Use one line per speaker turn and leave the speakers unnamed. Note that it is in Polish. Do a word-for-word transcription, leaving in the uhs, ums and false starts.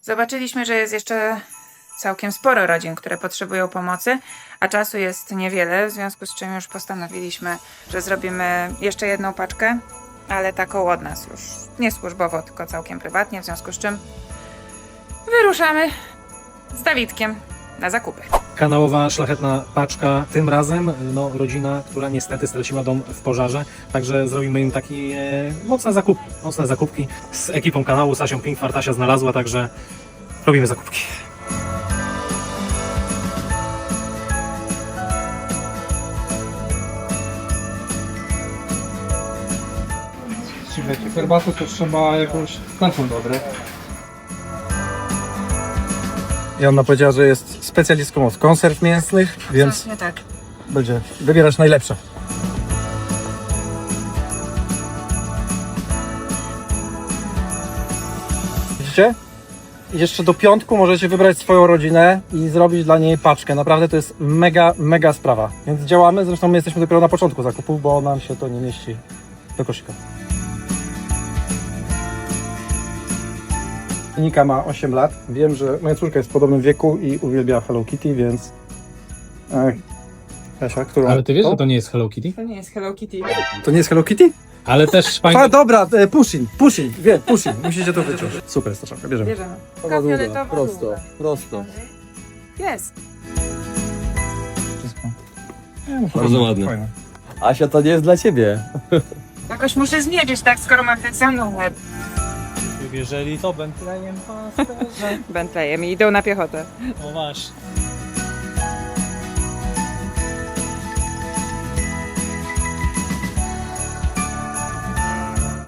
Zobaczyliśmy, że jest jeszcze całkiem sporo rodzin, które potrzebują pomocy, a czasu jest niewiele, w związku z czym już postanowiliśmy, że zrobimy jeszcze jedną paczkę, ale taką od nas już. Nie służbowo, tylko całkiem prywatnie, w związku z czym wyruszamy z Dawidkiem na zakupy.
Kanałowa, szlachetna paczka. Tym razem no, rodzina, która niestety straciła dom w pożarze. Także zrobimy im takie e, mocne zakupy. Mocne zakupki z ekipą kanału. Sasią Pink Fartasia znalazła, także robimy zakupki.
Słuchajcie, herbatę to trzeba jakąś taką dobre. I ona powiedziała, że jest specjalistką od konserw mięsnych, więc
Właśnie tak.
będzie wybierać najlepsze. Widzicie? Jeszcze do piątku możecie wybrać swoją rodzinę i zrobić dla niej paczkę. Naprawdę to jest mega, mega sprawa. Więc działamy, zresztą my jesteśmy dopiero na początku zakupów, bo nam się to nie mieści do koszyka. Nika ma osiem lat. Wiem, że moja córka jest w podobnym wieku i uwielbia Hello Kitty, więc... Ech. Kasia, którą...
Ale ty wiesz, że to nie jest Hello Kitty?
To nie jest Hello Kitty.
To nie jest Hello Kitty?
Ale też fajnie...
A, dobra, e, Pushing, Pushing, wie, Pushing. Musicie to wyczuć. Super jest ta czapka, bierzemy.
Bierzemy. Taka fioletowa,
prosto,
długa.
prosto.
Jest.
Wszystko.
Bardzo ładne.
Fajne.
Asia, to nie jest dla ciebie.
Jakoś muszę zmierzyć, tak, skoro mam ten sam numer.
Jeżeli to Bentleyem pasterze.
Bentleyem i idą na piechotę.
No masz.